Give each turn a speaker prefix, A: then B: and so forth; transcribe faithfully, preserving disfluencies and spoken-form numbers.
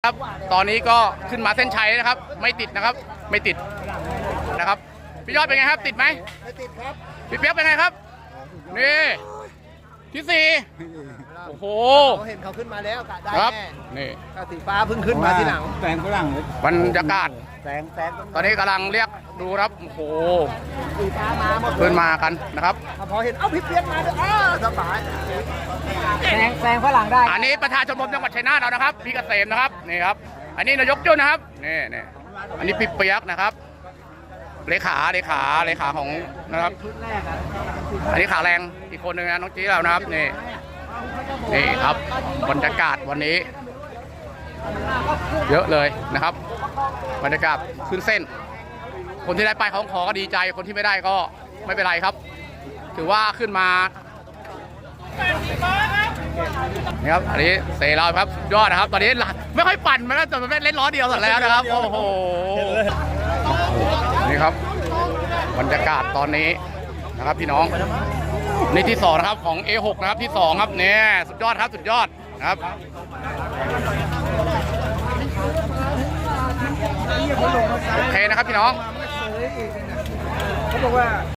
A: ครับตอนนี้ก็ขึ้นมาเส้นชัยนะครับไม่ติดนะครับไม่ติดนะครับพี่ยอดเป็นไงครับติดไหมไม่ติดครับพี่เปียกเป็นไงครับนี่ที่สี่โอ้โห
B: เขาเห็นเขาขึ้นมาแล้วกะได้
A: ครับ
B: แน่
A: นี่
B: กะสีฟ้าเพิ่งขึ้นมาทีหลัง
C: แสงฝรั่ง
A: บรรยากาศ
B: แสงแสง
A: ตอนนี้กำลังเรียกดูครับโอ้โห
B: สีฟ้ามาหมด
A: ขึ้นมากันนะครับ
B: พอเห็นเอ้าพี่เปียกมาด้วยอ้าวสบายแสงแสงฝรั่งได้
A: อันนี้ประธานชมรมจังหวัดชัยนาทเรานะครับพี่เกษมนะครับนี่ครับอันนี้นายกจุ้นนะครับนี่นี่อันนี้พี่เปียกนะครับเลขาเลขาเลขาของนะครับอันนี้ขาแรงอีกคนหนึ่งนะน้องจี้เรานะครับนี่นี่ครับบรรยากาศวันนี้ เยอะเลยนะครับบรรยากาศขึ้นเส้น คนที่ได้ไปของขอก็ดีใจคนที่ไม่ได้ก็ไม่เป็นไรครับ ถือว่าขึ้นมานี่ครับอันนี้เซเราครับยอดนะครับ ตอนนี้ไม่ค่อยปั่นมันแล้วแต่มันเล่นล้อเดียวเสร็จแล้วนะครับโอ้โหนี่ครับบรรยากาศตอนนี้นะครับพี่น้องนี่ที่สองนะครับของ เอ หก นะครับที่สองครับเนี่ยสุดยอดครับสุดยอดนะครับโอเคนะครับพี่น้อง
B: เขาบอกว่า